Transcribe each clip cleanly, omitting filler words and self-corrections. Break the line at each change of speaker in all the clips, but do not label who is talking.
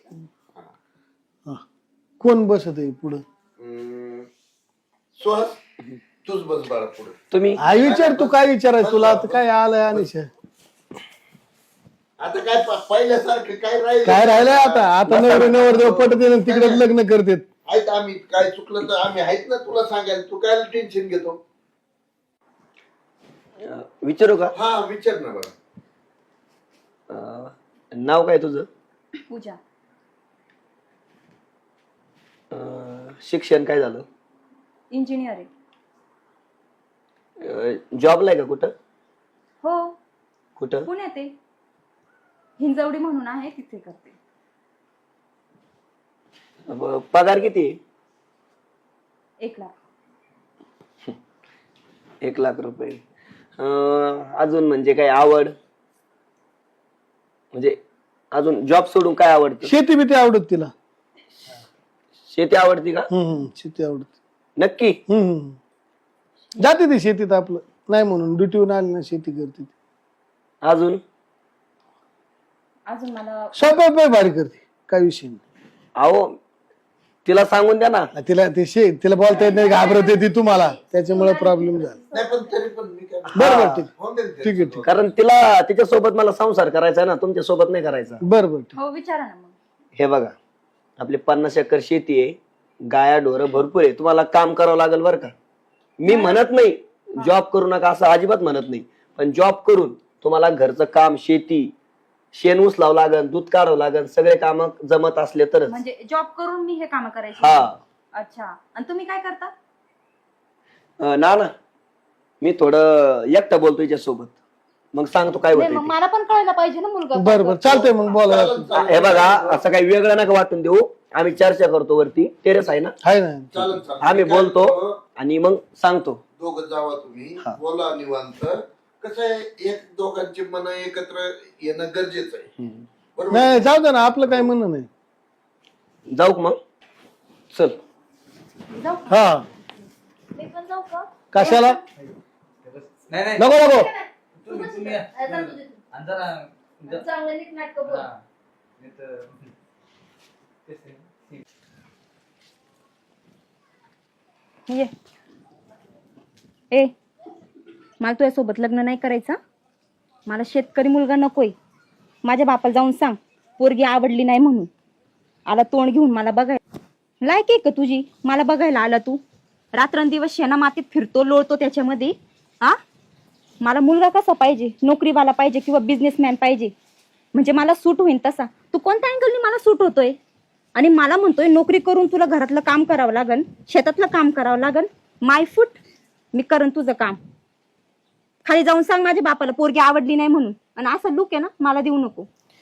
कोण बसत आहे पुढं?
सुहास तूच बस बाळा पुढे.
तुम्ही
विचार, तू काय विचारायचं तुला आता? काय आलंय अनिश?
आता काय पहिल्यासारखं काय राहील?
काय राहिलंय आता? आता नवरदेव पटते तिकडे लग्न करतात.
आहेत आम्ही, काय चुकलं तर आम्ही आहेत ना तुला सांगायला. तू काय टेन्शन घेतो?
विचारू का?
हा विचार ना बरं.
नाव काय तुझं?
पूजा.
शिक्षण काय झालं?
इंजिनियर आहे.
जॉबला आहे का कुठं?
हो,
कुठं?
पुण्यात आहे. हिंजवडी म्हणून आहे, तिथे करते.
पगार किती आहे?
1,00,000.
1,00,000 रुपये. अजून म्हणजे काय आवड? म्हणजे अजून जॉब सोडून काय आवडतं?
शेती बिती आवडत तिला?
शेती आवडती का?
शेती आवडत.
नक्की?
जाते ती शेतीत, आपलं नाही म्हणून ड्युटीवर आली ना शेती करते.
अजून
अजून मला
स्वयंपाक भारी करते, काय विषय नाही.
अहो तिला सांगून द्या ना.
तिला तिला बोलता येत नाही, घाबरत ती तुम्हाला, त्याच्यामुळे प्रॉब्लेम झाला.
नाही पण तरी पण मी काय
बरोबर, ठीक
होऊन जाईल ते.
ठीक आहे, ठीक.
कारण तिला तिच्यासोबत मला संसार करायचा आहे ना, तुमच्या सोबत नाही करायचा.
बरोबर, ठीक.
हो विचारा ना मग.
हे बघा, आपली 50 एकर शेती आहे, गाया ढोरं भरपूर आहे, तुम्हाला काम करावं लागेल बरं का. मी म्हणत नाही जॉब करू नका, असं अजिबात म्हणत नाही, पण जॉब करून तुम्हाला घरचं काम, शेती, शेण उचलावं लागेल, दूध काढावं लागेल, सगळे काम जमत असले तरच.
म्हणजे जॉब करून मी हे काम करायचे?
हा.
अच्छा. आणि तुम्ही काय करता?
ना मी थोडं एकटं बोलतो याच्यासोबत, मग सांगतो काय
नाही, मग
होतं.
मला पण कळायला पाहिजे ना मुलगा.
बरोबर, चालतंय मग बोला.
हे बघा, असं काही वेगळं नका वाटून देऊ, आम्ही चर्चा करतो वरती, टेरेस आहे ना,
आहे ना.
चालेल चालेल.
आम्ही
मी काय
बोलतो
म्हणतो,
आणि मग सांगतो.
दोघं जावा तुम्ही, बोला निवांत. कसं आहे, एक दोघांची मन एकत्र येणं गरजेचं आहे. बरोबर.
नाही, जाऊ दे ना, आपलं काय म्हणणं नाही.
जाऊ का मग? चल.
जाऊ.
हा,
मी पण जाऊ का?
कशाला?
नाही
नको नको.
चांगलं नीट नाटक बोल. ये. ए, मला तुझ्यासोबत लग्न नाही करायचं. मला शेतकरी मुलगा नकोय. माझ्या बापाला जाऊन सांग पोरगी आवडली नाही म्हणून. आला तोंड घेऊन मला बघायला. लायक आहे का तुझी मला बघायला? आला तू रात्रंदिवस शेणा मातीत फिरतो, लोळतो त्याच्यामध्ये. हा, मला मुलगा कसा पाहिजे? नोकरीवाला पाहिजे किंवा बिझनेसमॅन पाहिजे, म्हणजे मला सूट होईल तसा. तू कोणत्या अँगलनी मला सूट होतोय? आणि मला म्हणतोय नोकरी करून तुला घरातलं काम करावं लागन, शेतातलं काम करावं लागन. माय फूट, मी करण तुझं काम. खाली जाऊन सांग माझ्या बापाला पोरगी आवडली नाही म्हणून. आणि असं लुक आहे ना, मला देऊ नको.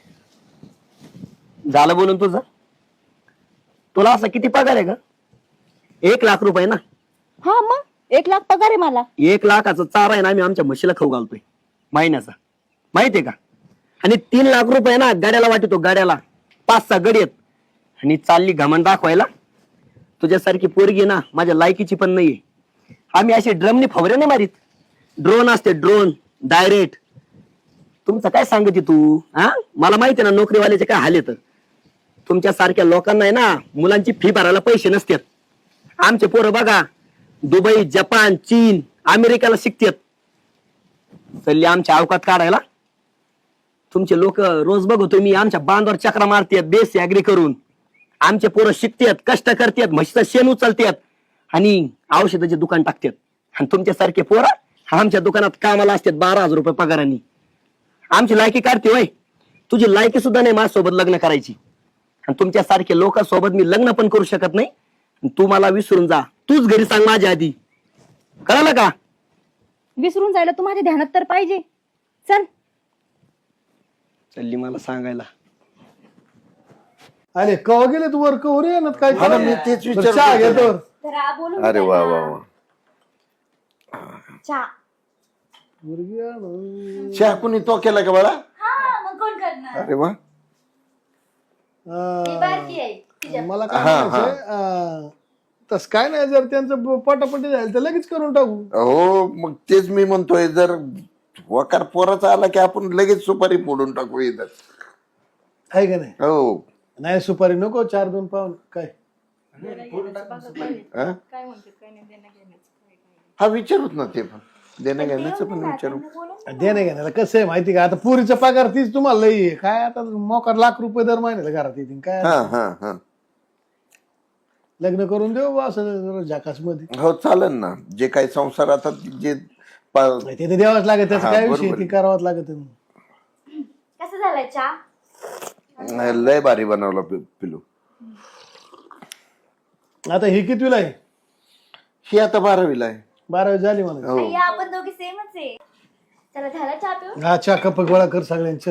झालं बोलून तुझं? तुला असं किती पगार आहे का? 1,00,000 रुपये ना?
हा, मग 1,00,000 पगार आहे मला.
1,00,000चा चारा आहे ना, आम्ही आमच्या म्हशीला खाऊ घालतोय महिन्याचा, माहितीये का? आणि 3,00,000 रुपये ना गाड्याला वाटतो, गाड्याला 5-6 गडी आहेत. आणि चालली घमंड दाखवायला. तुझ्यासारखी पोरगी ना माझ्या लायकीची पण नाहीये. आम्ही असे ड्रमने फवरे नाही मारीत, ड्रोन असते, ड्रोन डायरेक्ट. तुमचं काय सांगते तू? हा, मला माहिती आहे ना नोकरीवाल्याचे काय हाल येतं. तुमच्या सारख्या लोकांना आहे ना मुलांची फी भरायला पैसे नसतात. आमचे पोरं बघा दुबई, जपान, चीन, अमेरिकेला शिकतात. चालली आमच्या अवकात काढायला. तुमचे लोक रोज बघतो मी आमच्या बांधावर चक्रा मारतात बेस ऍग्री करून. आमचे पोरं शिकतात, कष्ट करतात, म्हशीचं शेण उचलतात आणि औषधाचे दुकान टाकतात. आणि तुमच्यासारखे पोरं आमच्या दुकानात कामाला असतात 12,000 रुपये पगारांनी. आमची लायकी काढते वय? तुझी लायकी सुद्धा नाही माझ्यासोबत लग्न करायची. आणि तुमच्यासारखे लोकांसोबत मी लग्न पण करू शकत नाही. तू मला विसरून जा, तूच घरी सांग माझ्या आधी, कळलं का?
विसरून जायला तू माझ्या ध्यानात तर पाहिजे. चल.
चालली मला सांगायला.
अरे कवा गेले तू वर? कवर ये ना काय?
मला मी तेच
बरं, चहा
विचारतो.
घेतो.
अरे वा वा वा.
चहा.
मुलगी आणून.
चहा कुणी तो केला का बाळा?
मग कोण करणार?
अरे वा.
मला काय म्हणायचंय, तस काय नाही, जर त्यांचं पटापटी झालं तर लगेच करून टाकू.
हो, मग तेच मी म्हणतोय, जर वकार पोराचा आला की आपण लगेच सुपारी फोडून टाकू इथं.
आहे का नाही?
हो.
नाही सुपारी नको 4-2 पाऊन काय
हा? हा विचारूच ना ते पण देणं घेण्याचं पण विचारू.
देणे घेण्याला कसं आहे माहिती का, आता पुरीचा पगार तीच तुम्हाला लई आहे. काय आता मोकार लाख रुपये दर महिन्याला घरात येतील काय.
हा हा हा
लग्न करून देऊ बा असं झाकास मध्ये.
हो चालेल ना. जे काही संसार आता जे
ते तर द्यावंच लागत, त्याचा
हा,
काय
बरोबर
विषय
आहे.
ते करावंच लागत.
कसं झालंय चहा?
लय भारी बनवला पिलू.
आता ही कितवीला आहे?
ही आता 12वीला आहे.
12वी झाली मला.
हो
आपण दोघी सेमच आहे. चला झाला चहा पिऊन?
हा चहा कप गोळा कर सगळ्यांचं.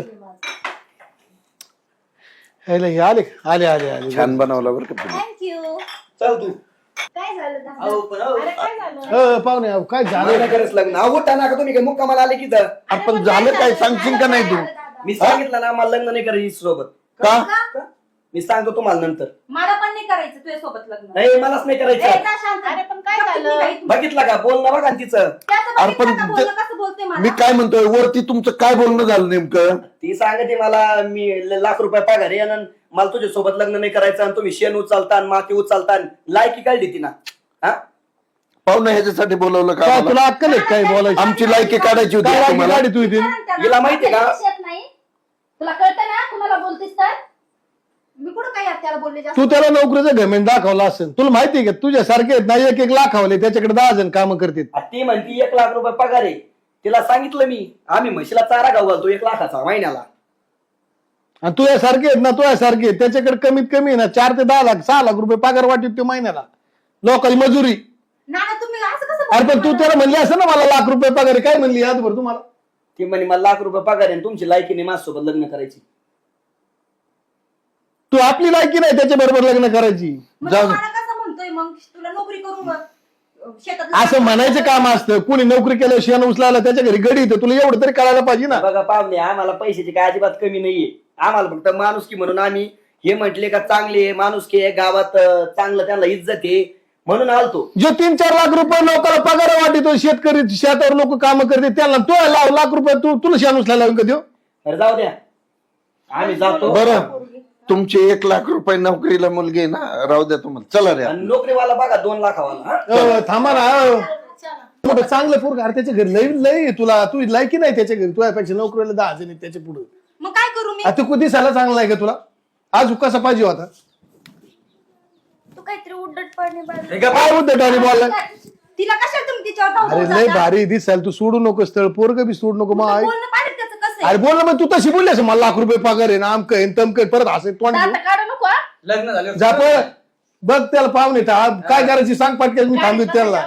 हे आले आले आले आले.
छान बनवला बरं का पिलू.
थँक्यू.
चल तू
काय झालं दादा?
अहो, पण अहो,
अरे काय झालं?
पाहुणे अहो, काय झालं?
मला करच लग्न उठा ना का तुम्ही काय मुक्कामाला आले की तर
आपण झालं काय सांगशील का नाही तू?
मी सांगितलं ना मला लग्न नाही करायची सोबत.
का?
मी सांगतो तुम्हाला नंतर.
मला पण नाही करायचं तुझ्या सोबत लग्न.
नाही मलाच नाही करायचं.
अरे पण काय झालं?
बघितलं का बोलणं बघा ना तिचं.
अरे पण
कसं बोलते
मी
मला?
काय म्हणतोय वरती तुमचं काय बोलणं झालं नेमकं?
ती सांगते मला मी लाख रुपये पगार आहे आणि मला तुझ्या सोबत लग्न नाही करायचं आणि तुम्ही शेण उचलता आणि माती उचलता. लायकी काढली ती ना. हा
पाहुणं ह्याच्यासाठी बोलवलं का
काय
मला?
तुला अक्कल आहे काय बोलायची?
आमची लायकी काढायची होती
काय
का
वाटली
तुम्हाला?
गाडी तू इथे?
हिला माहितीये का?
नाही तुला कळतं ना कुणाला बोलतेस तर? मी कुठं काय त्याला बोलले जास्त?
तू त्याला नोकरीचं घमेंट दाखवला असेल. तुला माहिती आहे का तुझ्यासारखे आहेत ना 1-1 लाखावले त्याच्याकडे 10 जण काम करतात.
ती म्हणती 1 लाख रुपये पगार आहे. तिला सांगितलं मी आम्ही म्हशीला चारा गाव घालतो 1 लाखाचा महिन्याला.
आणि तुझ्यासारखे आहेत ना तुझ्यासारखे आहेत, त्याच्याकडे कमीत कमी आहे ना 4 ते 10 लाख 6 लाख रुपये पगार वाटत ते महिन्याला. लोकांची मजुरी.
नाना तुम्ही असं कसं
अरे पण तू त्याला म्हणली असं ना मला लाख रुपये पगार आहे. काय म्हणली यादभर तुम्हाला?
ती म्हणे मला लाख रुपये पगार आहे आणि तुमची लायकी नाही माझ्यासोबत लग्न करायची.
तू आपली लायकी नाही त्याच्या बरोबर लग्न करायची.
मग
जाऊ
तू
दे.
मला कसं म्हणतोय मग तुला नोकरी करून शेतात
असं म्हणायचं काम असतं. कुणी नोकरी केलं शेण उचलायला त्याच्या घरी गडी येतं. तुला एवढं तरी कळायला पाहिजे ना.
बघा पाहुणे आम्हाला पैशाची काय अजिबात कमी नाहीये. आम्हाला फक्त माणुसकी म्हणून आम्ही हे म्हटले का चांगले आहे माणुसकी आहे गावात चांगलं त्यांना इज्जत आहे म्हणून आलतो.
जो 3-4 लाख रुपये लोकांना पगार वाटतो शेतकरी शेतावर लोक काम करते त्याला तो लाख रुपये तुला शेण उचलायला लावून का देऊ?
तर जाऊ द्या आम्ही जातो.
बरं तुमचे 1 लाख रुपये नोकरीला मुलगी आहे ना, राहू द्या तुम्हाला. चला रे.
आणि नोकरीवाला बघा 2 लाखावाला. हा?
थांबा ना. मोठं चांगलं पोरग अरे त्याच्या घरी लई लई तुला तू लायकी नाही त्याच्या घरी. तुझ्यापेक्षा नोकरीला 10 जण आहेत त्याच्या पुढे.
मग काय करू मी?
आता तू दिसायला चांगला आहे का तुला? आज कसा पाहिजे होता?
तू काहीतरी उड्डट पडणे
हे का
काय उद्धट आणि बोलला?
तिला कशाला तुम्ही तिच्यावर धावून
अरे लय
जाता?
भारी दिसायला. तू सोडू नको स्थळ. पोरग बी सोडू नको. मग
तुझं
ऐक.
बोलणं पाहिजे त्याचं कसं
अरे
आहे?
बोल ना मग तू तशी बोलली असं मला लाख रुपये पगार आहे ना आमक आहे तमक आहे. परत हसे तोंड घेऊन.
दात काढू नको हा?
लग्न झालं
जा पळ. बघ त्याला पाहुणे काय करायची सांग पटकन. मी थांबित त्याला.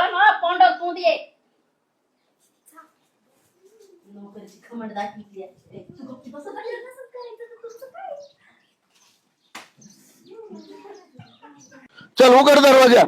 नोकरीची खमड दाखवली आहे. तू गप्प बसत राहिलं नसेल करायचं तर तुझं काय?
चल उघड दरवाजा.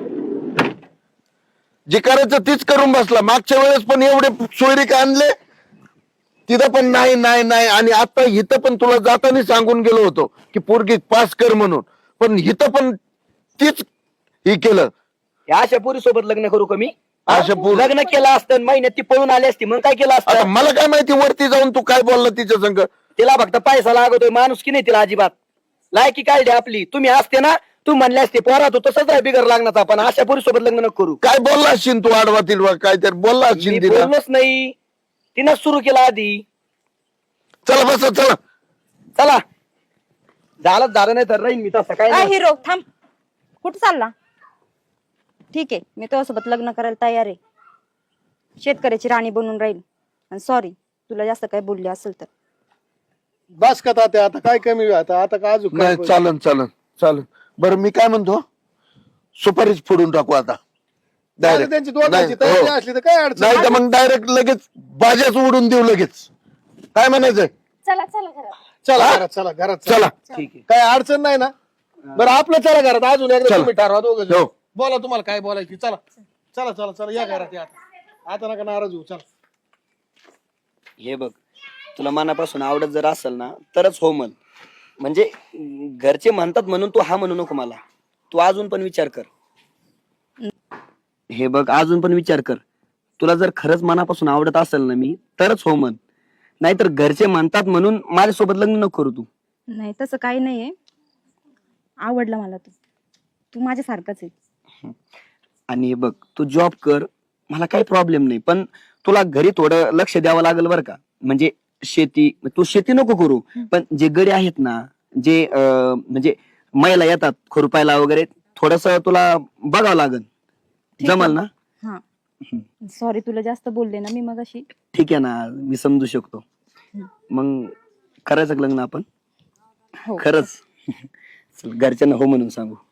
जे करायचं तीच करून बसला. मागच्या वेळेस पण एवढे सोयरीक आणले तिथं पण नाही नाही नाही. आणि आता इथं पण तुला जाताना सांगून गेलो होतो की पोरगी पास कर म्हणून. पण इथं पण तीच हे केलं.
या अशा पोरी सोबत लग्न करू का मी?
अशा पोरी-
लग्न केलं असतं महिन्यात ती पळून आली असती मग काय केलं
आता
असतं?
मला काय माहिती वरती जाऊन तू काय बोलला तिच्या संग.
तिला फक्त पैसा लागतोय माणूस की नाही तिला अजिबात. लायकी काढली आपली. तुम्ही असते ना तू म्हणले असते पोरा तू तसंच आहे बिगर लागणार. पण अशा पोरी सोबत लग्न नको करू.
काय बोलला असशील तू आडवा तिडवा काहीतरी बोलला
मी
असशील तिला.
बोललोच नाही. तिनं सुरू केला आधी.
चला बस चला.
चला झालं नाही तर राहीन मी तसं काय नाही.
हिरो थांब. कुठं चालला? ठीक आहे मी तुझ्यासोबत लग्न करायला तयार आहे. शेतकऱ्याची राणी बनून राहील. आणि सॉरी तुला जास्त काय बोलले असेल तर.
बस का तात्या आता काय कमी आता आता का अजून काय
नाही चालन चालन चालन. बरं मी काय म्हणतो सुपारीच फोडून टाकू आता डायरेक्ट.
त्यांची दोघांची तयारी असली तर काय अडचण
नाही तर मग डायरेक्ट लगेच बाजाच उडून देऊ लगेच. काय म्हणायचंय?
चला चला घरात.
चला घरात चला घरात
चला.
ठीक आहे.
काय अडचण नाही ना? बरं आपलं चला घरात. अजून एकदा
चला.
तुम्ही ठरवा दोघं
हो.
बोला तुम्हाला काय बोलायची. चला चला चला चला या घरात या. आता नका नाराज होऊ. चला.
हे बघ तुला मनापासून आवडत जर असेल ना तरच हो म्हण. म्हणजे घरचे म्हणतात म्हणून तू हा म्हणू नको मला. तू अजून पण विचार कर. हे बघ अजून पण विचार कर. तुला जर खरंच मनापासून आवडत असेल ना मी तरच हो म्हण. नाहीतर घरचे म्हणतात म्हणून माझ्यासोबत लग्न नको करू तू.
नाही तसं काही नाहीये. आवडला मला तू. तू माझ्यासारखाच आहे.
आणि बघ तू जॉब कर, मला काही प्रॉब्लेम नाही, पण तुला घरी थोडं लक्ष द्यावं लागेल बरं का. म्हणजे शेती, तू शेती नको करू, पण जे गडे आहेत ना, जे म्हणजे महिला येतात खुरपायला वगैरे, थोडस तुला बघावं लागेल.
ठीक आहे.
जमल ना?
हा सॉरी तुला जास्त बोलले ना मी मगाशी.
ठीक आहे ना, मी समजू शकतो. मग करायचं का लग्न आपण?
हो
खरंच? चल, घरच्यांना हो म्हणून सांगू.